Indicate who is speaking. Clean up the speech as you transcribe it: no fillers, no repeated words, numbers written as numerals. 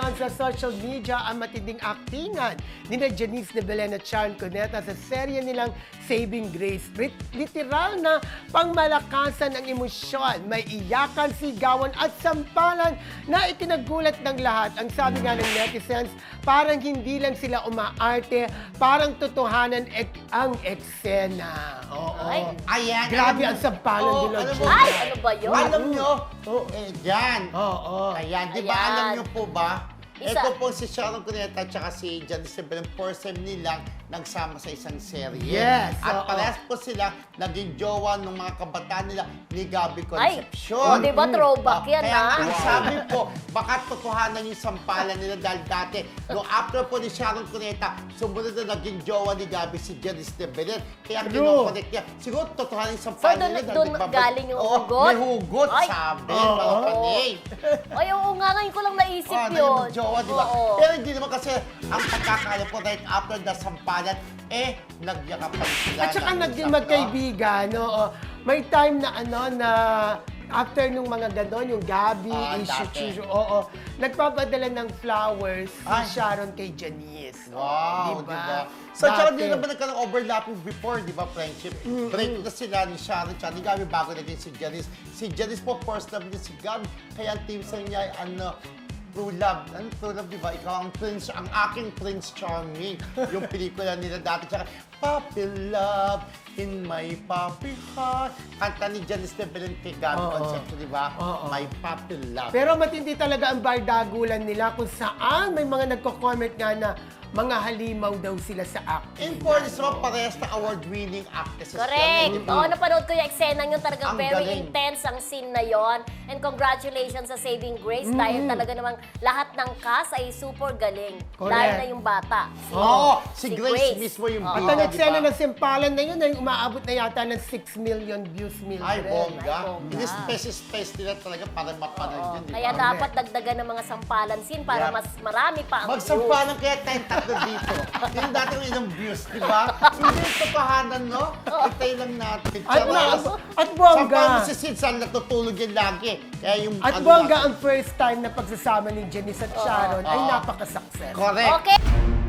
Speaker 1: naman sa social media ang matinding aktingan ni Janice de Belen at Sharon Cuneta sa serye nilang Saving Grace. Literal na pangmalakasan ang emosyon, may iyakan, sigawan at sampalan na ikinagulat ng lahat. Ang sabi nga ng netizens, parang hindi lang sila umaarte, parang totohanan ang eksena. Oo.
Speaker 2: Ayan.
Speaker 1: Grabe ang sampalan nila.
Speaker 2: alam mo,
Speaker 3: Ay, ano ba yun?
Speaker 2: Alam nyo, dyan.
Speaker 1: Oo.
Speaker 2: Ayan, di ba
Speaker 3: Ayan.
Speaker 2: alam nyo po ba?
Speaker 3: Isa.
Speaker 2: Ito po si Sharon Cuneta at si Janice de Belen, first time nilang nagsama sa isang serye.
Speaker 1: Yes,
Speaker 2: At
Speaker 1: oo.
Speaker 2: parehas po sila naging jowa ng mga kabataan nila ni Gabby
Speaker 3: Ay,
Speaker 2: Concepcion.
Speaker 3: di ba throwback yan,
Speaker 2: Kaya
Speaker 3: ha?
Speaker 2: ang sabi po, baka totohanan yung sampalan nila dahil dati, no, after po ni Sharon Cuneta, sumunod na naging jowa ni Gabby si Janice de Belen. Kaya
Speaker 1: True.
Speaker 2: kinoconnect niya. Siguro totohanan yung sampalan
Speaker 3: So,
Speaker 2: nila.
Speaker 3: doon galing yung hugot?
Speaker 2: May hugot,
Speaker 3: Ay.
Speaker 2: sabi.
Speaker 1: Oo.
Speaker 2: Mga kanig.
Speaker 3: Ay, oo nga, ngayon ko lang naisip
Speaker 2: Oh,
Speaker 3: yun.
Speaker 2: naging jowa, di ba?
Speaker 3: Oo.
Speaker 2: Pero hindi naman kasi ang pagkakala ko right after the sampalan, nagyakapan sila.
Speaker 1: At saka
Speaker 2: ng
Speaker 1: naging
Speaker 2: isang-
Speaker 1: magkaibigan, oo. May time na na after nung mga ganon, yung Gabi,
Speaker 2: dati.
Speaker 1: oo, nagpapadala ng flowers si
Speaker 2: Ay.
Speaker 1: Sharon kay Janice.
Speaker 2: Wow,
Speaker 1: Diba?
Speaker 2: di ba? So, tsaka
Speaker 1: Dati.
Speaker 2: din naman nagkaroon overlapping before, di ba, friendship? Break na sila ni Sharon, tsaka ni Gabi bago naging si Janice. Si Janice po, first love niya si Gabi. Kaya ang team sa niya ay True Love. Ano True Love, di ba? Ikaw ang prince, ang aking Prince Charming. Yung pelikula nila dati. Tsaka, Puppy Love in my puppy heart. Kanta ni Janice de Belen kay Gabi
Speaker 1: Oo.
Speaker 2: Concepcion, di ba?
Speaker 1: Oo.
Speaker 2: My Puppy Love.
Speaker 1: Pero matindi talaga ang bardagulan nila kung saan may mga nagko-comment nga na mga halimaw daw sila sa acting.
Speaker 2: In fairness naman, parehas na award-winning actresses.
Speaker 3: Correct.
Speaker 2: yan, eh.
Speaker 3: Oo, napanood ko yung eksena yun. Talagang
Speaker 2: Ang
Speaker 3: very
Speaker 2: galing.
Speaker 3: intense ang scene na yon. And congratulations sa Saving Grace. Dahil talaga namang lahat ng cast ay super galing.
Speaker 1: Correct.
Speaker 3: Lalo na yung bata.
Speaker 2: Oo, si Grace mismo yung
Speaker 3: Oo.
Speaker 1: At
Speaker 2: bida,
Speaker 1: ang eksena
Speaker 2: di ba?
Speaker 1: ng simpalan na yun ay umaabot na yata ng 6 million views,
Speaker 2: Ay, bongga.
Speaker 3: Ay, bongga.
Speaker 2: Hindi space nila talaga para mapanood yun. di
Speaker 3: Kaya
Speaker 2: ba?
Speaker 3: dapat dagdagan ng mga sampalan scene para
Speaker 2: Yeah.
Speaker 3: mas marami pa ang views.
Speaker 2: Magsampalan kaya tayong tatlo dito. Yung dati yung ilang views, di ba? Hindi yung totohanan, no? Itay lang natin.
Speaker 1: At bongga.
Speaker 2: Sampalan si Sid, saan natutulog yan lagi. Kaya yung
Speaker 1: At
Speaker 2: ano
Speaker 1: bongga
Speaker 2: natin-
Speaker 1: ang first time na pagsasama ni Janice at Sharon ay napaka-success.
Speaker 2: Correct.
Speaker 3: Okay.